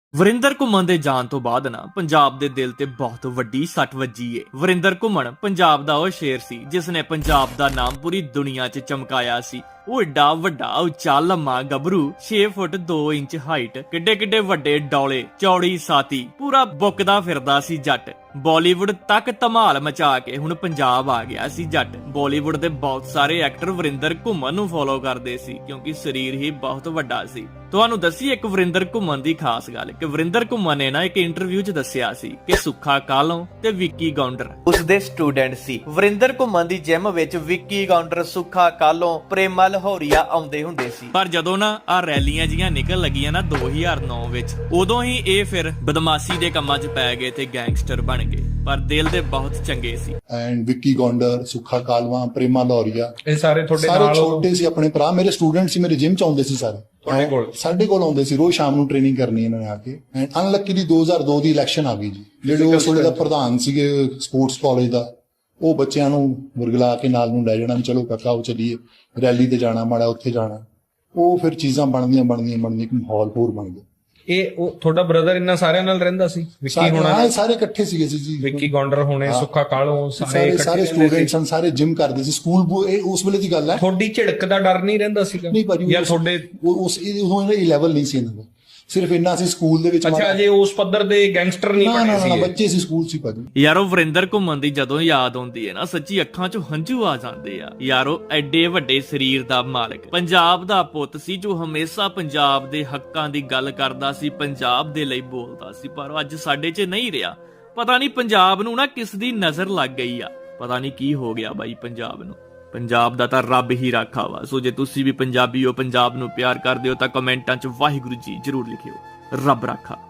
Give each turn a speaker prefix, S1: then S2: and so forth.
S1: ਵਰਿੰਦਰ ਘੁੰਮਣ ਦੇ ਜਾਣ ਤੋਂ ਬਾਅਦ ਨਾ ਪੰਜਾਬ ਦੇ ਦਿਲ ਤੇ ਬਹੁਤ ਵੱਡੀ ਸੱਟ ਵੱਜੀ ਏ। ਵਰਿੰਦਰ ਘੁੰਮਣ ਪੰਜਾਬ ਦਾ ਉਹ ਸ਼ੇਰ ਸੀ ਜਿਸ ਨੇ ਪੰਜਾਬ ਦਾ ਨਾਮ ਪੂਰੀ ਦੁਨੀਆ 'ਚ ਚਮਕਾਇਆ ਸੀ। ਉਹ ਏਡਾ ਵੱਡਾ ਉੱਚਾ ਲੰਮਾ ਗੱਭਰੂ 6 ਫੁੱਟ 2 ਇੰਚ ਹਾਈਟ, ਕਿੱਡੇ ਕਿੱਡੇ ਵੱਡੇ ਡੌਲੇ, ਚੌੜੀ ਸਾਤੀ, ਪੂਰਾ ਬੁੱਕਦਾ ਫਿਰਦਾ ਸੀ ਜੱਟ। ਬਾਲੀਵੁੱਡ ਤੱਕ ਧਮਾਲ ਮਚਾ ਕੇ ਹੁਣ ਪੰਜਾਬ ਆ ਗਿਆ ਸੀ ਜੱਟ। ਬਾਲੀਵੁੱਡ ਦੇ ਬਹੁਤ ਸਾਰੇ ਐਕਟਰ ਵਰਿੰਦਰ ਘੁੰਮਣ ਨੂੰ ਫੋਲੋ ਕਰਦੇ ਸੀ ਕਿਉਂਕਿ ਸਰੀਰ ਹੀ ਬਹੁਤ ਵੱਡਾ ਸੀ। ਤੁਹਾਨੂੰ ਦੱਸੀ ਇੱਕ ਵਰਿੰਦਰ ਘੁੰਮਣ ਦੀ ਖਾਸ ਗੱਲ ਕਿ ਵਰਿੰਦਰ ਘੁੰਮਣ ਨੇ ਨਾ ਇੱਕ ਇੰਟਰਵਿਊ 'ਚ ਦੱਸਿਆ ਸੀ ਕਿ ਸੁੱਖਾ ਕਾਹਲੋਂ ਤੇ ਵਿੱਕੀ ਗੌਂਡਰ ਉਸਦੇ ਸਟੂਡੈਂਟ ਸੀ। ਵਰਿੰਦਰ ਘੁੰਮਣ ਦੀ ਜਿਮ ਵਿੱਚ ਵਿੱਕੀ ਗੌਂਡਰ, ਸੁੱਖਾ ਕਾਹਲੋਂ, ਪ੍ਰੇਮਾ ਲਾਹੌਰੀਆ ਆਉਂਦੇ ਹੁੰਦੇ ਸੀ। ਪਰ ਜਦੋਂ ਨਾ ਆ ਰੈਲੀਆਂ ਜੀਆਂ ਨਿਕਲ ਲੱਗੀਆਂ ਨਾ 2009 ਵਿੱਚ, ਉਦੋਂ ਹੀ ਇਹ ਫਿਰ ਬਦਮਾਸ਼ੀ ਦੇ ਕੰਮਾਂ 'ਚ ਪੈ ਗਏ ਤੇ ਗੈਂਗਸਟਰ ਬਣ ਗਏ। ਪਰ ਦਿਲ ਦੇ ਬਹੁਤ ਚੰਗੇ ਸੀ।
S2: ਐਂਡ ਵਿੱਕੀ ਗੌਂਡਰ, ਸੁੱਖਾ ਕਾਲਵਾ, ਪ੍ਰੇਮਾ ਲਾਹੌਰੀਆ,
S3: ਇਹ ਸਾਰੇ ਤੁਹਾਡੇ
S2: ਸਾਰੇ
S3: ਨਾਲ
S2: ਛੋਟੇ ਸੀ, ਆਪਣੇ ਭਰਾ, ਮੇਰੇ ਸਟੂਡੈਂਟ ਸੀ, ਮੇਰੇ ਜਿਮ ਚ ਆਉਂਦੇ ਸੀ ਸਾਰੇ। ਸਾਡੇ ਕੋਲ ਆਉਂਦੇ ਸੀ ਰੋਜ਼ ਸ਼ਾਮ ਨੂੰ ਟ੍ਰੇਨਿੰਗ ਕਰਨੀ ਇਹਨਾਂ ਨੇ ਆ ਕੇ। ਐਂਡ ਅਨਲੱਕੀਲੀ 2002 ਦੀ ਇਲੈਕਸ਼ਨ ਆ ਗਈ ਜੀ। ਜਿਹੜੇ ਉਸ ਵੇਲੇ ਦਾ ਪ੍ਰਧਾਨ ਸੀਗੇ ਸਪੋਰਟਸ ਕਾਲਜ ਦਾ, ਉਹ ਬੱਚਿਆਂ ਨੂੰ ਵਰਗਲਾ ਕੇ ਨਾਲ ਨੂੰ ਲੈ ਜਾਣਾ ਵੀ ਚਲੋ ਕਾਕਾ ਉਹ ਚੱਲੀਏ ਰੈਲੀ ਤੇ ਜਾਣਾ, ਮਾੜਾ ਉੱਥੇ ਜਾਣਾ। ਉਹ ਫਿਰ ਚੀਜ਼ਾਂ ਬਣਦੀਆਂ ਇੱਕ ਮਾਹੌਲ ਹੋਰ ਬਣ ਗਿਆ।
S3: ਇਹ ਉਹ ਤੁਹਾਡਾ ਬ੍ਰਦਰ ਇਹਨਾਂ ਸਾਰਿਆਂ ਨਾਲ ਰਹਿੰਦਾ ਸੀ? ਵਿੱਕੀ ਹੋਣਾ
S2: ਸਾਰੇ ਇਕੱਠੇ ਸੀਗੇ ਜੀ।
S3: ਵਿੱਕੀ ਗੌਂਡਰ ਹੋਣੇ, ਸੁੱਖਾ ਕਾਹਲੋਂ,
S2: ਸਾਰੇ ਸਟੂਡੈਂਟਸ ਸਨ, ਸਾਰੇ ਜਿਮ ਕਰਦੇ ਸੀ ਸਕੂਲ। ਇਹ ਉਸ ਵੇਲੇ ਦੀ ਗੱਲ ਹੈ।
S3: ਤੁਹਾਡੀ ਝਿੜਕ ਦਾ ਡਰ ਨਹੀਂ ਰਹਿੰਦਾ ਸੀਗਾ?
S2: ਨਹੀਂ ਭਾਜੀ,
S3: ਯਾਰ ਤੁਹਾਡੇ
S2: ਉਸ ਇਹ ਲੈਵਲ ਨਹੀਂ ਸੀ ਇਹਨਾਂ ਦਾ। ਸਿਰਫ ਇੰਨਾ ਸੀ ਸਕੂਲ ਦੇ ਵਿੱਚ।
S3: ਅੱਛਾ, ਜੇ ਉਸ ਪੱਧਰ ਦੇ ਗੈਂਗਸਟਰ ਨਹੀਂ ਬਣੇ ਸੀ?
S2: ਬੱਚੇ ਸੀ, ਸਕੂਲ ਸੀ ਭਾਜੀ।
S1: ਯਾਰੋ ਵਰਿੰਦਰ ਘੁੰਮਣ ਦੀ ਜਦੋਂ ਯਾਦ ਆਉਂਦੀ ਹੈ ਨਾ, ਸੱਚੀ ਅੱਖਾਂ 'ਚੋਂ ਹੰਝੂ ਆ ਜਾਂਦੇ ਆ। ਯਾਰੋ ਐਡੇ ਵੱਡੇ ਸਰੀਰ ਦਾ ਮਾਲਕ, ਪੰਜਾਬ ਦਾ ਪੁੱਤ ਸੀ ਜੋ ਹਮੇਸ਼ਾ ਪੰਜਾਬ ਦੇ ਹੱਕਾਂ ਦੀ ਗੱਲ ਕਰਦਾ ਸੀ, ਪੰਜਾਬ ਦੇ ਲਈ ਬੋਲਦਾ ਸੀ। ਪਰ ਅੱਜ ਸਾਡੇ 'ਚ ਨਹੀਂ ਰਿਹਾ। ਪਤਾ ਨਹੀਂ ਪੰਜਾਬ ਨੂੰ ਨਾ ਕਿਸ ਦੀ ਨਜ਼ਰ ਲੱਗ ਗਈ ਆ। ਪਤਾ ਨਹੀਂ ਕੀ ਹੋ ਗਿਆ ਬਾਈ ਪੰਜਾਬ ਨੂੰ। ਪੰਜਾਬ ਦਾ ਤਾਂ ਰੱਬ ਹੀ ਰਾਖਾ ਵਾ। ਸੋ ਜੇ ਤੁਸੀਂ ਵੀ ਪੰਜਾਬੀ ਹੋ, ਪੰਜਾਬ ਨੂੰ ਪਿਆਰ ਕਰਦੇ ਹੋ ਤਾਂ ਕਮੈਂਟਾਂ 'ਚ ਵਾਹਿਗੁਰੂ ਜੀ ਜ਼ਰੂਰ ਲਿਖਿਓ। ਰੱਬ ਰਾਖਾ।